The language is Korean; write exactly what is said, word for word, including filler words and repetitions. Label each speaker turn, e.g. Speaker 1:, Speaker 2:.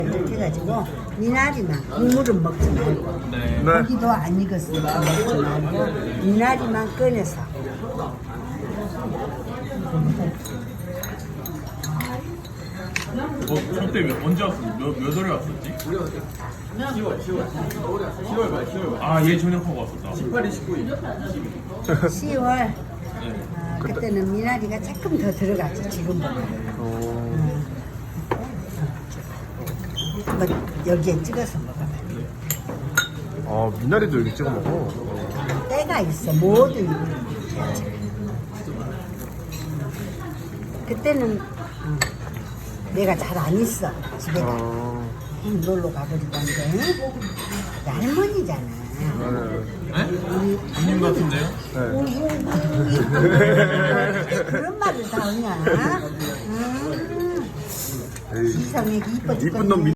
Speaker 1: 이렇게 해가지고 미나리만 국물은 먹지 말고
Speaker 2: 네.
Speaker 3: 네.
Speaker 1: 고기도 안 익었으니까 먹지 말고 미나리만 꺼내서
Speaker 2: 어, 저때 언제 왔었지? 몇, 몇 월에 왔었지? 아, 얘 전역하고 왔었다.
Speaker 1: 시월
Speaker 2: 네.
Speaker 1: 어, 그때는 미나리가 조금 더 들어갔죠 지금보다.
Speaker 3: 어,
Speaker 1: 한번 여기에 찍어서 먹어봐.
Speaker 3: 아, 미나리도 여기 찍어 먹어. 어.
Speaker 1: 때가 있어 모든 그때는 어, 내가 잘 안 있어 집에 가
Speaker 3: 아,
Speaker 1: 놀러 가버리던데 할머니잖아.
Speaker 2: 네? 아닌 것 같은데요?
Speaker 3: 네.
Speaker 1: 그런 말을 다 하냐? 음,
Speaker 3: 에이,
Speaker 1: 이상하게 이뻐
Speaker 3: 이쁜 놈
Speaker 1: 죽겠네.